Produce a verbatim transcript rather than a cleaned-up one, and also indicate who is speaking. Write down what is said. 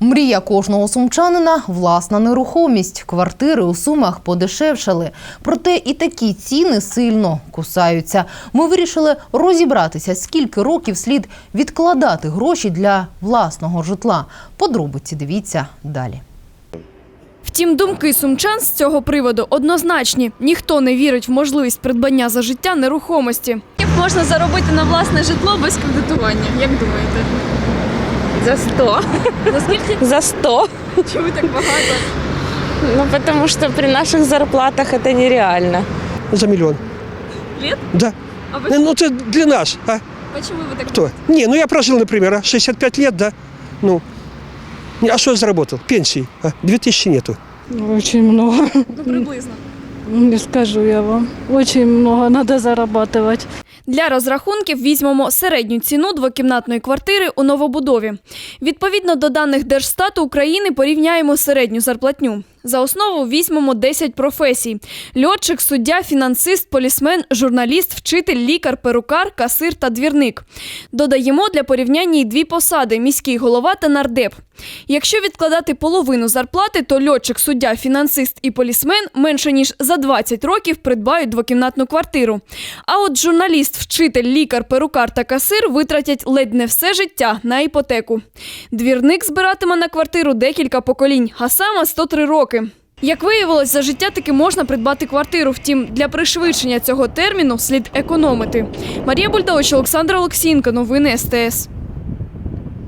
Speaker 1: Мрія кожного сумчанина – власна нерухомість. Квартири у Сумах подешевшали. Проте і такі ціни сильно кусаються. Ми вирішили розібратися, скільки років слід відкладати гроші для власного житла. Подробиці дивіться далі.
Speaker 2: Втім, думки сумчан з цього приводу однозначні. Ніхто не вірить в можливість придбання за життя нерухомості.
Speaker 3: Як можна заробити на власне житло без кредитування? Як думаєте?
Speaker 4: За сто.
Speaker 3: За скільки?
Speaker 4: За сто.
Speaker 3: Чому так багато?
Speaker 4: Ну, потому что при наших зарплатах это нереально.
Speaker 5: За миллион.
Speaker 3: Лет?
Speaker 5: Да.
Speaker 3: А вы...
Speaker 5: Ну, это для нас, а?
Speaker 3: Почему вы так?
Speaker 5: Кто? Не, ну я прожил, например, а, шестьдесят пять лет, да. Ну, а что я заработал? Пенсии, а? две тысячи нету.
Speaker 6: Очень много.
Speaker 3: Ну, приблизно.
Speaker 6: Не скажу я вам. Очень много надо зарабатывать.
Speaker 2: Для розрахунків візьмемо середню ціну двокімнатної квартири у новобудові. Відповідно до даних Держстату України порівняємо середню зарплатню. За основу візьмемо десять професій – льотчик, суддя, фінансист, полісмен, журналіст, вчитель, лікар, перукар, касир та двірник. Додаємо для порівняння й дві посади – міський голова та нардеп. Якщо відкладати половину зарплати, то льотчик, суддя, фінансист і полісмен менше ніж за двадцять років придбають двокімнатну квартиру. А от журналіст, вчитель, лікар, перукар та касир витратять ледь не все життя на іпотеку. Двірник збиратиме на квартиру декілька поколінь, а саме сто три роки. Як виявилось, за життя таки можна придбати квартиру, втім, для пришвидшення цього терміну слід економити. Марія Бульдович, Олександр Олексієнко, новини ес те ес.